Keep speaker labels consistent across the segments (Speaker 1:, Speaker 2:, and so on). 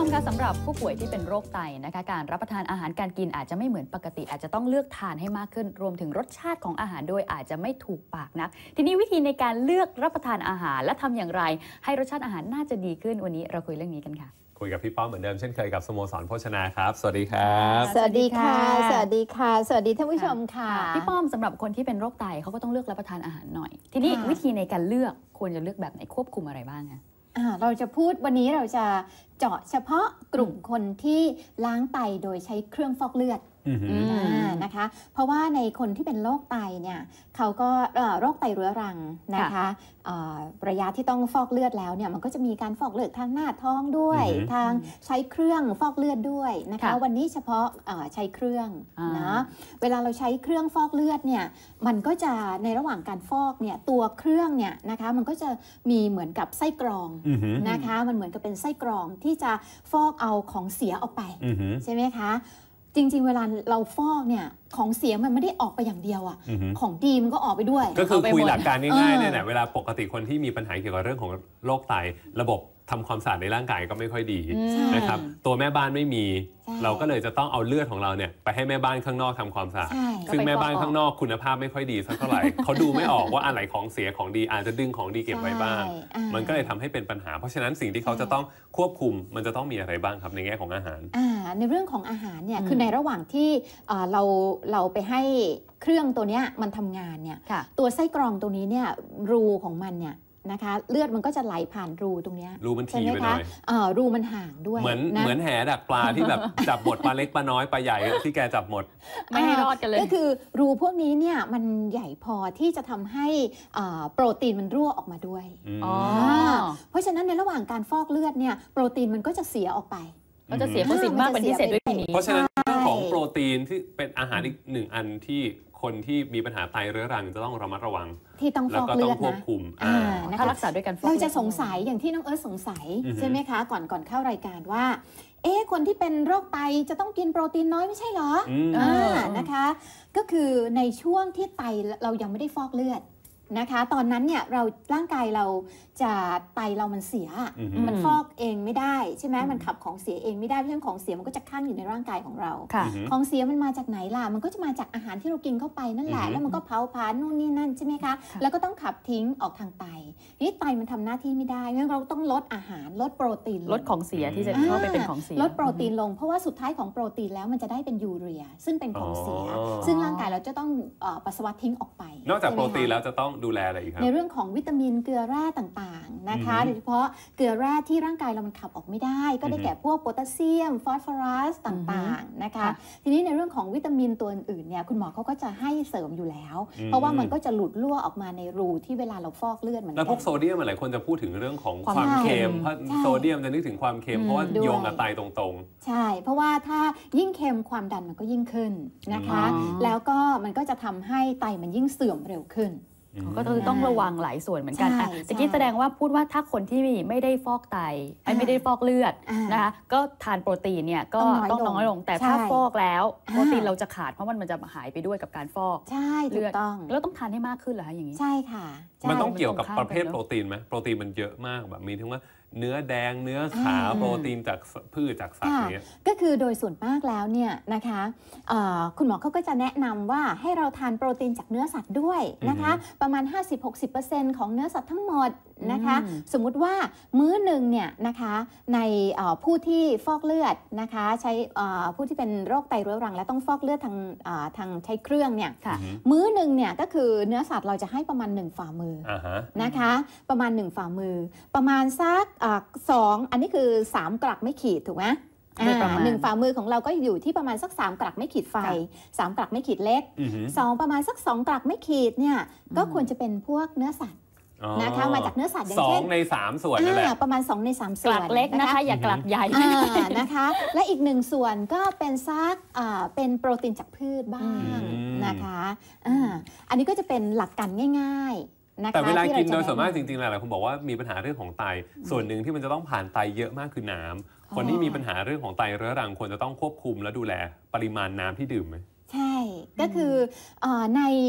Speaker 1: มคะสำหรับผู้ป่วยที่เป็นโรคไตนะคะการรับประทานอาหารการกินอาจจะไม่เหมือนปกติอาจจะต้องเลือกทานให้มากขึ้นรวมถึงรสชาติของอาหารโดยอาจจะไม่ถูกปากนักทีนี้วิธีในการเลือกรับประทานอาหารและทำอย่างไรให้รสชาติอาหารน่าจะดีขึ้นวันนี้เราคุยเรื่องนี้กันค่ะ
Speaker 2: คุยกับพี่ป้อมเหมือนเดิมเช่นเคยกับสโมสรโภชนาครับสวัสดีครับ
Speaker 3: สวัสดีค่ะสวัสดีค่ะสวัสดีท่านผู้ชมค่ะ
Speaker 1: พี่ป้อมสำหรับคนที่เป็นโรคไตเขาก็ต้องเลือกรับประทานอาหารหน่อยทีนี้วิธีในการเลือกควรจะเลือกแบบไหนควบคุมอะไรบ้างคะ
Speaker 3: เราจะพูดวันนี้เราจะเจาะเฉพาะกลุ่มคนที่ล้างไตโดยใช้เครื่องฟอกเลือดนะคะเพราะว่าในคนที่เป็นโรคไตเนี่ยเขาก็โรคไตเรื้อรังนะคะระยะที่ต้องฟอกเลือดแล้วเนี่ยมันก็จะมีการฟอกเลือดทางหน้าท้องด้วยทางใช้เครื่องฟอกเลือดด้วยนะคะวันนี้เฉพาะใช้เครื่องนะเวลาเราใช้เครื่องฟอกเลือดเนี่ยมันก็จะในระหว่างการฟอกเนี่ยตัวเครื่องเนี่ยนะคะมันก็จะมีเหมือนกับไส้กรองนะคะมันเหมือนกับเป็นไส้กรองที่จะฟอกเอาของเสียออกไปใช่ไหมคะจริงๆเวลาเราฟอกเนี่ยของเสียมันไม่ได้ออกไปอย่างเดียวอ่ะของดีมันก็ออกไปด้วย
Speaker 2: ก็คือคุยหลักการง่ายๆเนี่ยนะเวลาปกติคนที่มีปัญหาเกี่ยวกับเรื่องของโรคไตระบบทำความสะอาดในร่างกายก็ไม่ค่อยดีนะครับตัวแม่บ้านไม่มีเราก็เลยจะต้องเอาเลือดของเราเนี่ยไปให้แม่บ้านข้างนอกทำความสะอาดซึ่งแม่บ้านข้างนอกคุณภาพไม่ค่อยดีสักเท่าไหร่เขาดูไม่ออกว่าอะไรของเสียของดีอาจจะดึงของดีเก็บไว้บ้างมันก็เลยทำให้เป็นปัญหาเพราะฉะนั้นสิ่งที่เขาจะต้องควบคุมมันจะต้องมีอะไรบ้างครับในแง่ของอาหาร
Speaker 3: ในเรื่องของอาหารเนี่ยคือในระหว่างที่เราไปให้เครื่องตัวนี้มันทำงานเนี่ยตัวไส้กรองตัวนี้เนี่ยรูของมันเนี่ยนะคะเลือดมันก็จะไหลผ่านรูตรงนี้
Speaker 2: รูมันถี่ไปหน่อย
Speaker 3: รูมันห่างด้วย
Speaker 2: เหมือนแหดักปลาที่แบบจับหมดปลาเล็กปลาน้อยปลาใหญ่ที่แกจับหมด
Speaker 1: ไม่ให้รอดกันเลย
Speaker 3: ก็คือรูพวกนี้เนี่ยมันใหญ่พอที่จะทำให้โปรตีนมันรั่วออกมาด้วยเพราะฉะนั้นในระหว่างการฟอกเลือดเนี่ยโปรตีนมันก็จะเสียออกไป
Speaker 1: ก็จะเสียเปอร์เซ็นต์มากเป็นพิเศษด้วยทีนี้
Speaker 2: เพราะฉะนั้นเรื่องของโปรตีนที่เป็นอาหารอีกหนึ่งอันที่คนที่มีปัญหาไตเรื้อรังจะต้องระมัดระวัง
Speaker 3: ที่ต้องฟอกเลือด
Speaker 2: นะ
Speaker 1: ถ้ารักษาด้วยกัน
Speaker 3: เราจะสงสัยอย่างที่น้องเอิร์ธสงสัยใช่ไหมคะก่อนเข้ารายการว่าคนที่เป็นโรคไตจะต้องกินโปรตีนน้อยไม่ใช่เหรอนะคะก็คือในช่วงที่ไตเรายังไม่ได้ฟอกเลือดนะคะตอนนั้นเนี่ยร่างกายเราจะไตเรามันเสียมันฟอกเองไม่ได้ใช่ไหมมันขับของเสียเองไม่ได้เพราะฉะนั้นของเสียมันก็จะคั่งอยู่ในร่างกายของเราของเสียมันมาจากไหนล่ะมันก็จะมาจากอาหารที่เรากินเข้าไปนั่นแหละแล้วมันก็เผาผลาญนู่นนี่นั่นใช่ไหมคะแล้วก็ต้องขับทิ้งออกทางไตนี่ไตมันทำหน้าที่ไม่ได้งั้นเราต้องลดอาหารลดโปรตีน
Speaker 1: ลดของเสียที่จะเข้าไปเป็นของเสีย
Speaker 3: ลดโปรตีนลงเพราะว่าสุดท้ายของโปรตีนแล้วมันจะได้เป็นยูเรียซึ่งเป็นของเสียซึ่งร่างกายเราจะต้องปัสสาวะทิ้งออกไป
Speaker 2: นอกจากโปรตีนแล้วจะต้องดูแลอะไรอีกครับ
Speaker 3: ในเรื่องของวิตามินเกลือแร่ต่างๆนะคะโดยเฉพาะเกลือแร่ที่ร่างกายเรามันขับออกไม่ได้ก็ได้แก่พวกโพแทสเซียมฟอสฟอรัสต่างๆนะคะทีนี้ในเรื่องของวิตามินตัวอื่นๆเนี่ยคุณหมอเขาก็จะให้เสริมอยู่แล้วเพราะว่ามันก็จะหลุดรั่วออกมาในรูที่เวลาเราฟอกเลือดเหมือนกัน
Speaker 2: แล้วพวกโซเดียมหลายคนจะพูดถึงเรื่องของความเค็มเพราะโซเดียมจะนึกถึงความเค็มเพราะว่าโยงกับไตตรง
Speaker 3: ๆใช่เพราะว่าถ้ายิ่งเค็มความดันมันก็ยิ่งขึ้นนะคะแล้วก็มันก็จะทำให้ไตมันยิ่งเสื่อมเร็วขึ้น
Speaker 1: ก็คือต้องระวังหลายส่วนเหมือนกันตะกี้แสดงว่าพูดว่าถ้าคนที่ไม่ได้ฟอกไตไม่ได้ฟอกเลือดนะคะก็ทานโปรตีนเนี่ยก็ต้องน้อยลงแต่ถ้าฟอกแล้วโปรตีนเราจะขาดเพราะมันจะหายไปด้วยกับการฟอก
Speaker 3: ใช่ถูกต้อง
Speaker 1: แล้วต้องทานให้มากขึ้นเหรออย่างนี้
Speaker 3: ใช่ค่ะ
Speaker 2: มันต้องเกี่ยวกับประเภทโปรตีนไหมโปรตีนมันเยอะมากแบบมีทั้งว่าเนื้อแดงเนื้อขาวโปรตีนจากพืชจากสัตว์นี้
Speaker 3: ก็คือโดยส่วนมากแล้วเนี่ยนะคะคุณหมอเขาก็จะแนะนำว่าให้เราทานโปรตีนจากเนื้อสัตว์ด้วยนะคะประมาณ 50-60% ของเนื้อสัตว์ทั้งหมดนะคะสมมุติว่ามื้อหนึ่งเนี่ยนะคะในผู้ที่ฟอกเลือดนะคะใช้ผู้ที่เป็นโรคไตเรื้อรังและต้องฟอกเลือดทางใช้เครื่องเนี่ยมื้อหนึ่งเนี่ยก็คือเนื้อสัตว์เราจะให้ประมาณ1ฝ่ามือนะคะประมาณ1ฝ่ามือประมาณสัก2อันนี้คือ3กลักไม่ขีดถูกไหม1ฝ่ามือของเราก็อยู่ที่ประมาณสัก3กลักไม่ขีดไฟ3กลักไม่ขีดเล็ก2ประมาณสัก2กลักไม่ขีดเนี่ยก็ควรจะเป็นพวกเนื้อสัตว์นะคะมาจากเนื้อสัตว์อย่างเช่น
Speaker 2: 2 ใน 3ส่วนนั่นแหละ
Speaker 3: ประมาณ2 ใน 3ส่วน
Speaker 1: กลักเล็กนะคะอย่ากลักใหญ่
Speaker 3: นะคะและอีก1ส่วนก็เป็นซักเป็นโปรตีนจากพืชบ้างนะคะอันนี้ก็จะเป็นหลักการง่ายๆ
Speaker 2: แต่เวลากินโดยส่วนมากจริงๆหลายคนบอกว่ามีปัญหาเรื่องของไตส่วนหนึ่งที่มันจะต้องผ่านไตเยอะมากคือน้ำคนที่มีปัญหาเรื่องของไตเรื้อรังควรจะต้องควบคุมและดูแลปริมาณน้ำที่ดื่มไหม
Speaker 3: ใช่ก็คือใน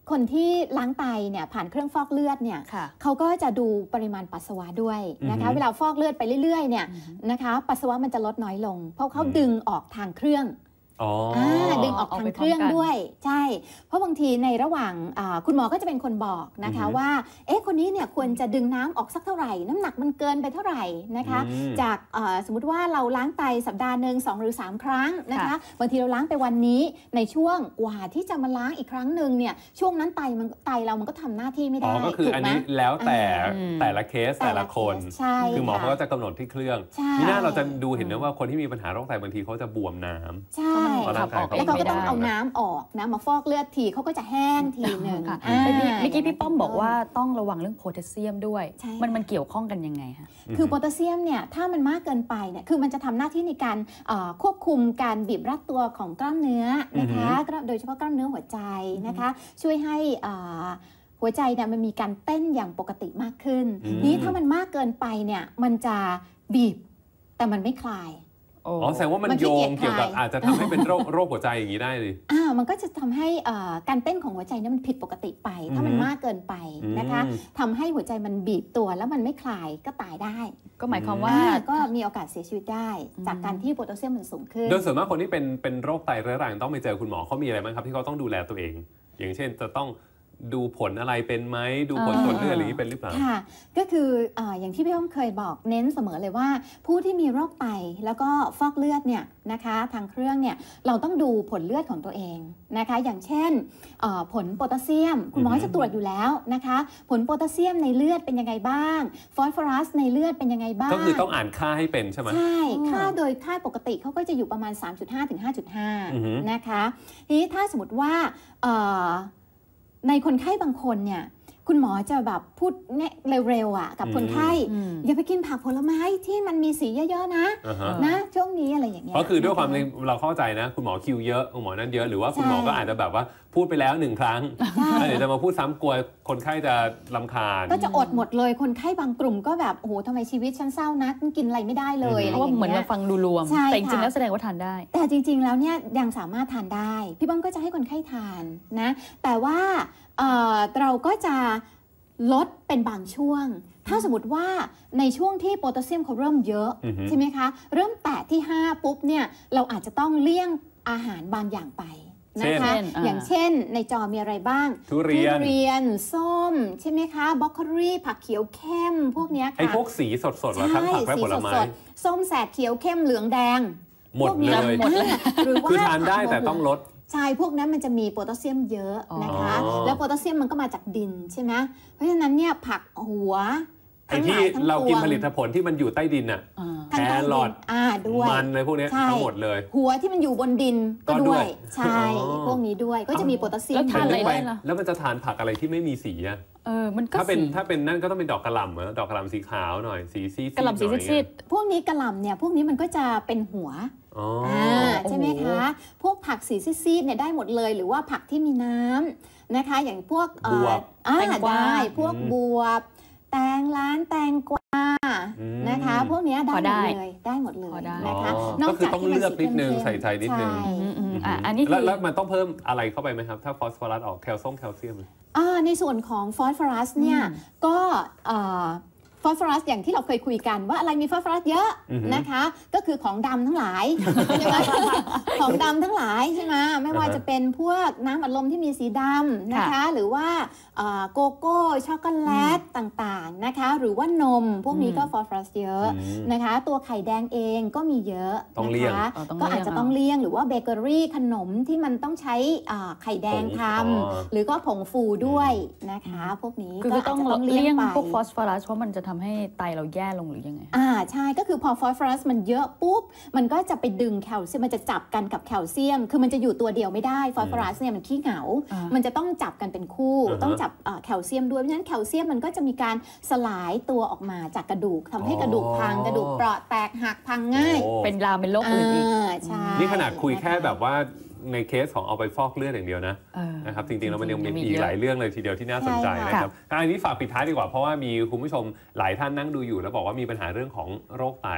Speaker 3: คนที่ล้างไตเนี่ยผ่านเครื่องฟอกเลือดเนี่ย
Speaker 1: ค่ะ
Speaker 3: เขาก็จะดูปริมาณปัสสาวะด้วยนะคะเวลาฟอกเลือดไปเรื่อยๆเนี่ยนะคะปัสสาวะมันจะลดน้อยลง เพราะเขาดึงออกทางเครื่องดึงออกทางเครื่องด้วยใช่เพราะบางทีในระหว่างคุณหมอก็จะเป็นคนบอกนะคะว่าคนนี้เนี่ยควรจะดึงน้ำออกสักเท่าไหร่น้ำหนักมันเกินไปเท่าไหร่นะคะจากสมมติว่าเราล้างไตสัปดาห์หนึ่ง2 หรือ 3 ครั้งนะคะบางทีเราล้างไปวันนี้ในช่วงกว่าที่จะมาล้างอีกครั้งหนึ่งเนี่ยช่วงนั้นไตเรามันก็ทำหน้าที่ไม่ได้
Speaker 2: ก็คืออันนี้แล้วแต่ละเคสแต่ละคนคือหมอเขาก็จะกำหนดที่เครื่องนี่น่าเราจะดูเห็นนะว่าคนที่มีปัญหาโรคไตบางทีเขาจะบวมน้ำ
Speaker 3: ใช่แล้วเขาก็ต้องเอาน้ำออกนะมาฟอกเลือดทีเขาก็จะแห้งทีหนึ่ง
Speaker 1: เมื่อกี้พี่ป้อมบอกว่าต้องระวังเรื่องโพแทสเซียมด้วยมันเกี่ยวข้องกันยังไงคะ
Speaker 3: คือโพแทสเซียมเนี่ยถ้ามันมากเกินไปเนี่ยคือมันจะทำหน้าที่ในการควบคุมการบีบรัดตัวของกล้ามเนื้อนะคะโดยเฉพาะกล้ามเนื้อหัวใจนะคะช่วยให้หัวใจเนี่ยมันมีการเต้นอย่างปกติมากขึ้นนี้ถ้ามันมากเกินไปเนี่ยมันจะบีบแต่มันไม่คลาย
Speaker 2: แสดงว่ามันโยงเกี่ยวกับอาจจะทำให้เป็นโรคหัวใจอย่างนี้ได้เลย
Speaker 3: มันก็จะทำให้การเต้นของหัวใจนั้นมันผิดปกติไปถ้ามันมากเกินไปนะคะทำให้หัวใจมันบีบตัวแล้วมันไม่คลายก็ตายได้
Speaker 1: ก็หมายความว่า
Speaker 3: ก็มีโอกาสเสียชีวิตได้จากการที่โพแทสเซียมมันสูงขึ้น
Speaker 2: โดยส่วนมากคนที่เป็นโรคไตเรื้อรังต้องไปเจอคุณหมอเขามีอะไรบ้างครับที่เขาต้องดูแลตัวเองอย่างเช่นจะต้องดูผลอะไรเป็นไหมดูผลตรวจเลือดอะไรนี้เป็นหรือเปล่า
Speaker 3: ค่ะก็คืออย่างที่พี่อ้อมเคยบอกเน้นเสมอเลยว่าผู้ที่มีโรคไตแล้วก็ฟอกเลือดเนี่ยนะคะทางเครื่องเนี่ยเราต้องดูผลเลือดของตัวเองนะคะอย่างเช่นผลโพแทสเซียมคุณหมอจะตรวจอยู่แล้วนะคะผลโพแทสเซียมในเลือดเป็นยังไงบ้างฟอสฟอรัสในเลือดเป็นยังไงบ้าง
Speaker 2: ก็คือต้องอ่านค่าให้เป็นใช่ไหม
Speaker 3: ใช่ค่าโดยค่าปกติเขาก็จะอยู่ประมาณ 3.5 ถึง 5.5 นะคะทีนี้ถ้าสมมติว่าในคนไข้บางคนเนี่ยคุณหมอจะแบบพูดเนี่ยเร็วๆกับคนไข้อย่าไปกินผักผลไม้ที่มันมีสีเยอะๆนะช่วงนี้อะไรอย่างเงี้ย
Speaker 2: ก็คือด้วยความเราเข้าใจนะคุณหมอคิวเยอะคุณหมอนั่นเยอะหรือว่าคุณหมอก็อาจจะแบบว่าพูดไปแล้ว1 ครั้งแล้วเดี๋ยวจะมาพูดซ้ำกลัวคนไข้จะรำคาญ
Speaker 3: ก็จะอดหมดเลยคนไข้บางกลุ่มก็แบบโอ้โหทำไมชีวิตฉันเศร้านักกินอะไรไม่ได้เลย
Speaker 1: เพราะว่าเหมือนเราฟังดูรวมแต่จริงๆแล้วแสดงว่าทานได้
Speaker 3: แต่จริงๆแล้วเนี่ยยังสามารถทานได้พี่บ้องก็จะให้คนไข้ทานนะแต่ว่าเราก็จะลดเป็นบางช่วงถ้าสมมติว่าในช่วงที่โพแทสเซียมเขาเริ่มเยอะใช่ไหมคะเริ่มแตะที่5ปุ๊บเนี่ยเราอาจจะต้องเลี่ยงอาหารบางอย่างไปนะคะอย่างเช่นในจอมีอะไรบ้าง
Speaker 2: ทุเรีย
Speaker 3: นส้มใช่ไหมคะบรอกโคลีผักเขียวเข้มพวกนี้ค่ะ
Speaker 2: ไอ้พวกสีสดๆทั้งผักและผลไม้
Speaker 3: ส้มแสดเขียวเข้มเหลืองแดง
Speaker 2: หมดเลย
Speaker 3: หรือว่า
Speaker 2: คือทานได้แต่ต้องลด
Speaker 3: ใช่พวกนั้นมันจะมีโพแทสเซียมเยอะนะคะแล้วโพแทสเซียมมันก็มาจากดินใช่ไหมเพราะฉะนั้นเนี่ยผักหัว
Speaker 2: ไอ้ที่เรากินผลิตผลที่มันอยู่ใต้ดินอะแครอท
Speaker 3: ด้วย
Speaker 2: มันอะไรพวกนี้ทั้งหมดเลย
Speaker 3: หัวที่มันอยู่บนดินก็ด้วยใช่พวกนี้ด้วยก็จะมีโพแทสเซียม
Speaker 1: แล้วทานอะไรได้ล่ะ
Speaker 2: แล้วมันจะทานผักอะไรที่ไม่มีสีอะ
Speaker 1: มันก็
Speaker 2: ถ้าเป็นนั่นก็ต้องเป็นดอกกระหล่ำดอกกระหล่ำสีขาวหน่อยสีซีด
Speaker 1: กระหล่ำสีซีด
Speaker 3: พวกนี้กระหล่ำเนี่ยพวกนี้มันก็จะเป็นหัวใช่ไหมคะพวกผักสีซีดเนี่ยได้หมดเลยหรือว่าผักที่มีน้ำนะคะอย่างพวกได้พวกบวบแตงล้านแตงกวานะคะพวกนี้ได้หมดเลยได้หมดเลยนะคะ
Speaker 2: ก็คือต้องเลือกนิดนึงใส่ใจนิดนึง
Speaker 1: อันนี้
Speaker 2: แล้วมันต้องเพิ่มอะไรเข้าไปไหมครับถ้าฟอสฟอรัสออกแคลเซียม
Speaker 3: ในส่วนของฟอสฟอรัสเนี่ยก็ฟอสฟอรัสอย่างที่เราเคยคุยกันว่าอะไรมีฟอสฟอรัสเยอะนะคะก็คือของดำทั้งหลายใช่ไหมของดำทั้งหลายใช่ไหมไม่ว่าจะเป็นพวกน้ำอัดลมที่มีสีดำนะคะหรือว่าโกโก้ช็อกโกแลตต่างๆนะคะหรือว่านมพวกนี้ก็ฟอสฟอรัสเยอะนะคะตัวไข่แดงเองก็มีเยอะนะคะก็อาจจะต้องเลี่ยงหรือว่าเบเกอรี่ขนมที่มันต้องใช้ไข่แดงทำหรือก็ผงฟูด้วยนะคะพวกนี้
Speaker 1: ก็ต้องเลี่ยงพวกฟอสฟอรัสเพราะมันจะทำให้ไตเราแย่ลงหรือยังไง
Speaker 3: ใช่ก็คือพอฟอสฟอรัสมันเยอะปุ๊บมันก็จะไปดึงแคลเซียมมันจะจับกันกับแคลเซียมคือมันจะอยู่ตัวเดียวไม่ได้ฟอสฟอรัสเนี่ยมันขี้เหงามันจะต้องจับกันเป็นคู่ต้องจับแคลเซียมด้วยเพราะฉะนั้นแคลเซียมมันก็จะมีการสลายตัวออกมาจากกระดูกทำให้กระดูกพังกระดูกเปราะแตกหักพังง่าย
Speaker 1: เป็นลามเป็นโรคอื่นอีก
Speaker 2: นี่ขนาดคุยแค่แบบว่าในเคสของเอาไปฟอกเลือดอย่างเดียวนะครับจริงๆแล้วมันยังมีอีกหลายเรื่องเลยทีเดียวที่น่าสนใจนะครับอันนี้ฝากปิดท้ายดีกว่าเพราะว่ามีคุณผู้ชมหลายท่านนั่งดูอยู่แล้วบอกว่ามีปัญหาเรื่องของโรคไต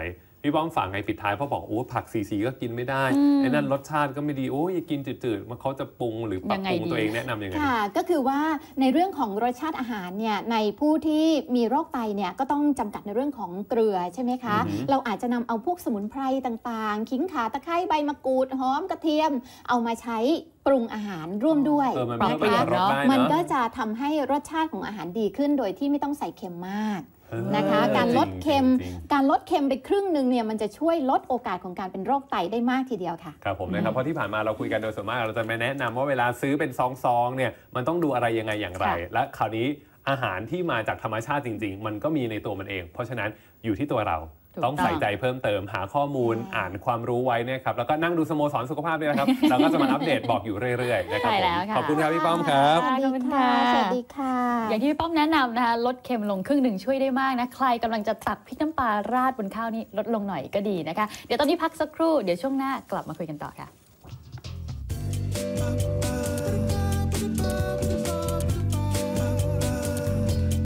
Speaker 2: พี่ป้อมฝากไงปิดท้ายเพราะบอกโอ้ผักสีก็กินไม่ได้ไอ้นั่นรสชาติก็ไม่ดีโอ้ยกินจืดๆมันเขาจะปรุงหรือปรับปรุงตัวเองแนะนำยังไง
Speaker 3: ค่ะก็คือว่าในเรื่องของรสชาติอาหารเนี่ยในผู้ที่มีโรคไตเนี่ยก็ต้องจำกัดในเรื่องของเกลือใช่ไหมคะเราอาจจะนำเอาพวกสมุนไพรต่างๆขิงข่าตะไคร้ใบมะกรูดหอมกระเทียมเอามาใช้ปรุงอาหารร่วมด้วยมันก็จะทำให้รสชาติของอาหารดีขึ้นโดยที่ไม่ต้องใส่เค็มมากนะคะการลดเค็มไปครึ่งหนึ่งเนี่ยมันจะช่วยลดโอกาสของการเป็นโรคไตได้มากทีเดียวค่ะ
Speaker 2: ครับผมนะครับเพราะที่ผ่านมาเราคุยกันโดยส่วนมากเราจะไม่แนะนำว่าเวลาซื้อเป็นซองๆเนี่ยมันต้องดูอะไรยังไงอย่างไรและคราวนี้อาหารที่มาจากธรรมชาติจริงๆมันก็มีในตัวมันเองเพราะฉะนั้นอยู่ที่ตัวเราต้องใส่ใจเพิ่มเติมหาข้อมูลอ่านความรู้ไว้นะครับแล้วก็นั่งดูสโมสรสุขภาพด้วยนะครับ เราก็จะมาอัปเดตบอกอยู่เรื่อยๆนะครับขอบคุณครับพี่ป้อมครับ
Speaker 3: ขอบคุณค่ะสวัสดีค่ะ
Speaker 1: อย่างที่พี่ป้อมแนะนำนะคะลดเค็มลงครึ่งหนึ่งช่วยได้มากนะใครกำลังจะตักพริกน้ำปลาราดบนข้าวนี่ลดลงหน่อยก็ดีนะคะเดี๋ยวตอนนี้พักสักครู่เดี๋ยวช่วงหน้ากลับมาคุยกันต่อค่ะ